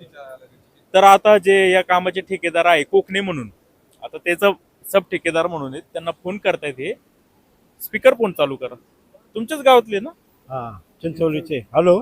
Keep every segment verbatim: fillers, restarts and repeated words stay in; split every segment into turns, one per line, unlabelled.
तर आता जे या कामाचे ठेकेदार आहे कोकणे म्हणून, आता त्याचा सब ठेकेदार म्हणून आहेत, त्यांना फोन करतायत. हे स्पीकर फोन चालू करा. तुमच्याच गावातले ना?
हा, चिंचवलीचे. हॅलो,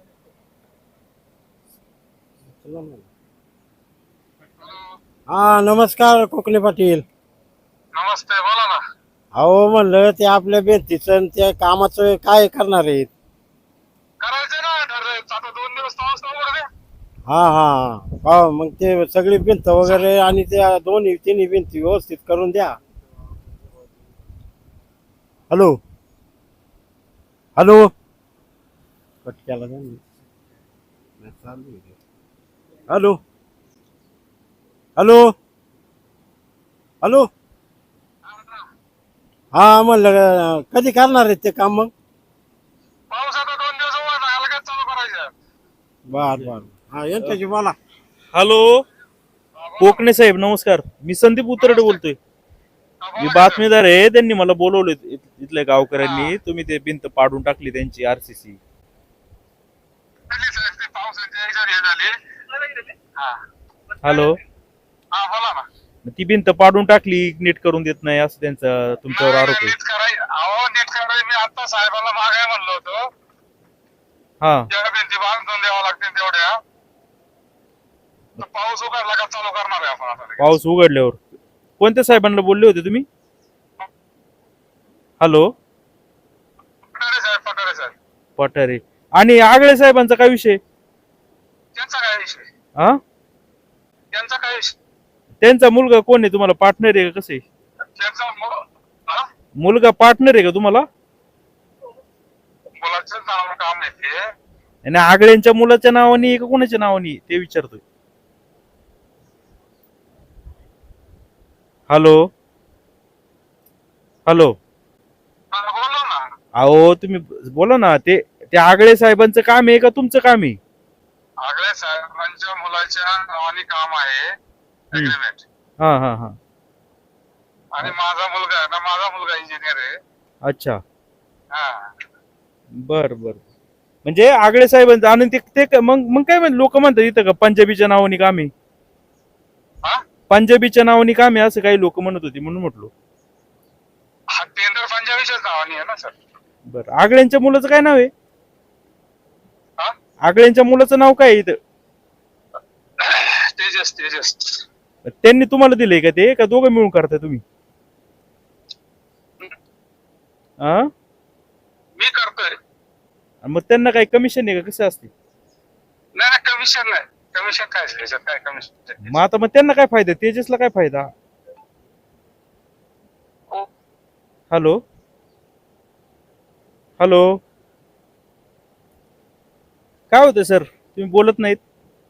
हा नमस्कार कोकणे पाटील.
नमस्ते, बोला ना.
अहो म्हणलं ते आपल्या बेंतीचं त्या कामाचं काय करणार आहेत?
करायचं ना ठरलं. आता दोन दिवस पाऊस नव्हता रे.
हा हा हा मग ते सगळी भिंत वगैरे आणि त्या दोन्ही तिन्ही भिंती व्यवस्थित करून द्या. हॅलो हॅलो कट केला त्यांनी. हॅलो हॅलो हॅलो हा म्हणलं कधी करणार आहेत ते काम मग?
पाऊस आता दोन दिवस उघडला, अलगद चालू करायचं.
बर बर हा यांच्याशी बोला.
हॅलो कोकणे साहेब नमस्कार. मी संदीप उतरडे बोलतोय. मी बातमीदार आहे. त्यांनी मला बोलवले इथल्या गावकऱ्यांनी. तुम्ही ते भिंत पाडून टाकली त्यांची आरसीसी.
पावसाची याच्यावर हे झाली. हा
हॅलो,
हा बोला ना.
ती भिंत पाडून टाकली, नीट करून देत नाही असं त्यांचा तुमच्यावर
नाही,
आरोप आहे.
नीट कराय अहो नीट कराय मी आता साहेबांना मागाय म्हणलो होतो.
हा
जेवढ्या भिंती बांधून द्यावं लागतील तेवढ्या. तर पाऊस उघडला का चालू करणार आहे आपण आता.
पाऊस उघडल्यावर कोणत्या साहेबांना बोलले होते तुम्ही? हॅलो
पठारे साहेब, पठारे साहेब.
पठारे आणि आगळे साहेबांचा काय विषय?
त्यांचा काय विषय?
हा
त्यांचा काय विषय?
त्यांचा मुलगा कोण आहे तुम्हाला? पार्टनर आहे का? कसं आहे?
त्यांचा मु- हा?
मुलगा पार्टनर आहे का तुम्हाला?
मुलाचं नाव काम आहे ते.
आणि आगळ्यांच्या मुलाच्या नावाने आहे का कोणाच्या नावाने आहे? ते विचारतोय. हॅलो हॅलो
हा, बोला ना.
अहो तुम्ही बोला ना. ते ते आगळे साहेबांचं काम आहे का तुमचं काम आहे?
आगळे साहेबांच्या मुलाच्या नावाने काम आहे अग्रीमेंट.
हा हा हा
आणि माझा मुलगा आहे ना, माझा मुलगा इंजिनियर आहे.
अच्छा
हा.
बर बर. म्हणजे आगळे साहेबांचं आणि ते ते मग मग काय म्हणते लोक म्हणतात इथं का पंजाबीच्या नावाने काम आहे?
हा?
पंजाबीच्या नावाने काम आहे असं काही लोक म्हणत होती म्हणून म्हटलो.
हा टेंडर पंजाबीच्याच नावाने आहे ना सर.
बर आगळ्यांच्या मुलाचं काय नाव आहे?
हा?
आगळ्यांच्या मुलाचं नाव काय आहे इथं?
तेजस, तेजस.
त्यांनी तुम्हाला दिलंय का ते? का दोघं मिळून करताय तुम्ही? हा
मी करतोय.
मग त्यांना काही कमिशन आहे का? कसं असते?
नाही नाही, कमिशन नाही. कमिशन काय आहे? याच्यात काय कमिशन?
मग आता मग त्यांना काय फायदा? तेजसला काय फायदा? हॅलो हॅलो काय होतं सर? तुम्ही बोलत नाहीत.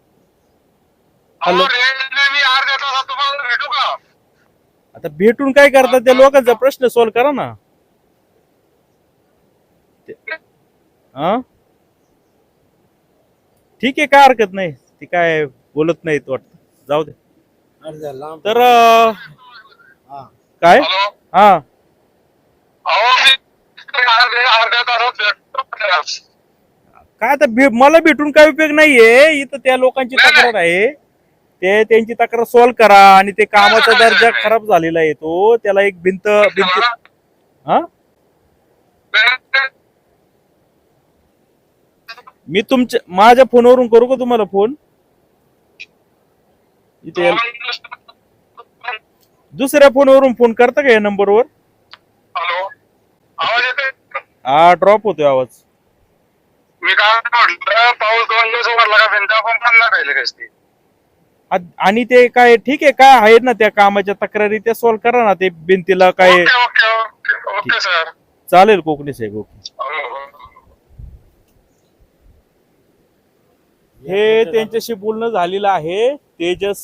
हॅलो
रेंजने मी अर्ध्या तासात तुम्हाला भेटू का?
आता भेटून काय करतात? त्या लोकांचा प्रश्न सॉल्व्ह करा ना. हा ठीक आहे, काय हरकत नाही. ती काय बोलत नाहीत वाटत. जाऊ दे. तर अं, काय
हॅलो.
हा
अहो मी अर्ध्या अर्ध्या तासात भेटतो.
काय आता भे- मला भेटून काय उपयोग नाहीये. इथं त्या लोकांची तक्रार आहे. ते त्यांची तक्रार सॉल्व्ह करा. आणि ते कामाचा दर्जा खराब झालेला आहे तो. त्याला एक भिंत भिंत हा मी तुमच्या माझ्या फोनवरून करू का तुम्हाला फोन? इथे दुसऱ्या फोनवरून फोन करता का या नंबरवर?
हॅलो, आवाज येतोय?
हा ड्रॉप होतोय आवाज.
मी काय म्हटलं, पाऊस दोन दिवस उघडला का भिंत आपण बांधणार राहिले कसती.
आ- आणि ते काय ठीक आहे, काय आहेत ना त्या कामाच्या तक्रारी त्या सॉल्व्ह करा ना. ते भिंतीला काय
okay okay okay okay sir.
चालेल कोकणे साहेब. ओके.
हो, हो.
हे त्यांच्याशी बोलणं झालेलं आहे. तेजस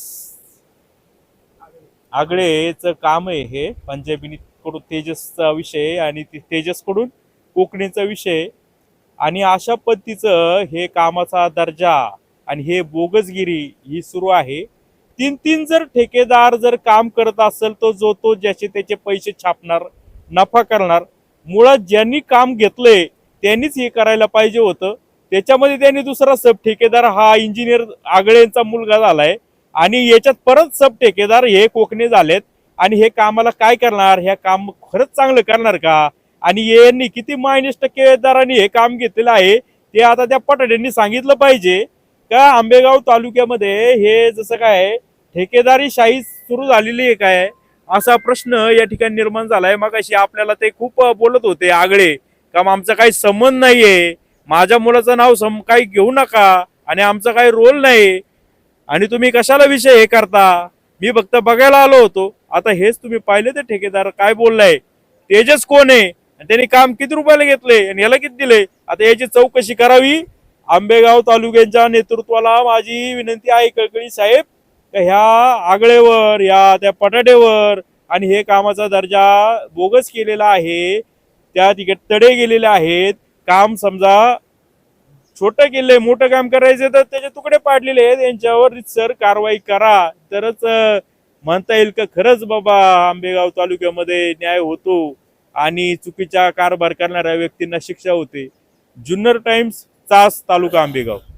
आगळेच काम आहे हे. पंजाबी कडून तेजसचा विषय आणि तेजस कडून कोकणीचा विषय. आणि अशा पद्धतीचं हे कामाचा दर्जा आणि हे बोगसगिरी ही सुरू आहे. तीन तीन जर ठेकेदार जर काम करत असेल तर जो तो ज्याचे त्याचे पैसे छापणार, नफा करणार. मुळात ज्यांनी काम घेतलंय त्यांनीच हे करायला पाहिजे होतं. त्याच्यामध्ये त्यांनी दुसरा सब ठेकेदार हा इंजिनियर आगळेंचा मुलगा झालाय आणि याच्यात परत सब ठेकेदार हे कोकणे झालेत आणि हे कामाला काय करणार, ह्या काम खरंच चांगलं करणार का? आणि यांनी किती मायनस टक्केदारांनी हे काम घेतलेलं आहे ते आता त्या पटाड्यांनी सांगितलं पाहिजे का आंबेगाव तालुक्यामध्ये हे जसं काय ठेकेदारी शाही सुरू झालेली आहे काय, असा प्रश्न या ठिकाणी निर्माण झालाय. मग अशी आपल्याला ते खूप बोलत होते आगळे का आमचा काही संबंध नाहीये, माझ्या मुलाचं नाव सम काही घेऊ नका आणि आमचा काही रोल नाही आणि तुम्ही कशाला विषय हे करता, मी फक्त बघायला आलो होतो. आता हेच तुम्ही पाहिले ते ठेकेदार काय बोललाय, तेजस कोण आहे, त्यांनी काम किती रुपयाला घेतले आणि याला किती दिले, आता याची चौकशी करावी. आंबेगाव तालुक्याच्या नेतृत्वाला माझी विनंती आहे कळकळी साहेब, ह्या आगळेवर या त्या पटाडेवर आणि हे कामाचा दर्जा बोगस केलेला आहे, त्या तिकडे तडे गेलेले आहेत. काम समजा छोटं केलंय, मोठं काम करायचं तर त्याचे तुकडे पाडलेले आहेत, यांच्यावर सर कारवाई करा, तरच म्हणता येईल का खरंच बाबा आंबेगाव तालुक्यामध्ये न्याय होतो आणि चुकीचा कारभार करणाऱ्या व्यक्तींना शिक्षा होते. जुन्नर टाइम्स, चास, तालुका आंबेगाव.